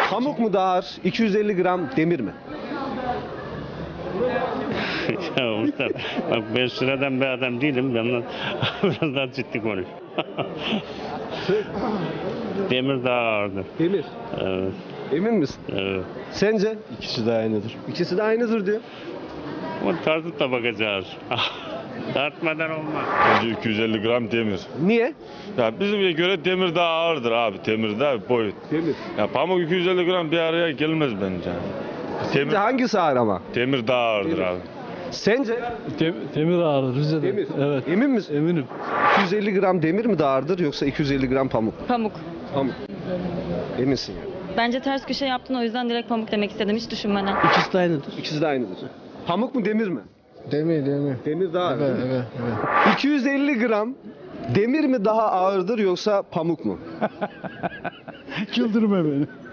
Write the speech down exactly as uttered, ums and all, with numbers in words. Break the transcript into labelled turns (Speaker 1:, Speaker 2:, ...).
Speaker 1: Pamuk mu daha ağır, iki yüz elli gram demir mi?
Speaker 2: Ya Mustafa, bak ben sıradan bir adam değilim. Ben biraz daha ciddi konuş. Demir daha ağırdır.
Speaker 1: Demir.
Speaker 2: Evet,
Speaker 1: Emin misin?
Speaker 2: evet.
Speaker 1: Sence?
Speaker 3: İkisi de aynıdır.
Speaker 1: İkisi de aynıdır diyor.
Speaker 2: O tartıp da bakacağız. Tartmadan olmaz.
Speaker 4: Bence iki yüz elli gram demir.
Speaker 1: Niye?
Speaker 4: Ya bize göre demir daha ağırdır abi. Demir daha boyut.
Speaker 1: Demir.
Speaker 4: Ya pamuk iki yüz elli gram bir araya gelmez bence. Demir,
Speaker 1: Sence hangisi ağır ama?
Speaker 4: demir daha ağırdır abi.
Speaker 1: Sence?
Speaker 3: Demir ağrı Rize'de.
Speaker 1: Demir.
Speaker 3: Evet.
Speaker 1: Emin misin?
Speaker 3: Eminim.
Speaker 1: iki yüz elli gram demir mi daha ağırdır yoksa iki yüz elli gram pamuk?
Speaker 5: Pamuk.
Speaker 1: Pamuk. Eminsin yani.
Speaker 5: Bence ters köşe yaptın, o yüzden direkt pamuk demek istedim hiç düşünmeden.
Speaker 3: İkisi de aynıdır.
Speaker 1: İkisi de aynıdır. Pamuk mu demir mi?
Speaker 3: Demir demir.
Speaker 1: Demir daha ağır.
Speaker 3: Evet
Speaker 1: değil mi?
Speaker 3: evet evet.
Speaker 1: iki yüz elli gram demir mi daha ağırdır yoksa pamuk mu?
Speaker 3: Güldürme beni.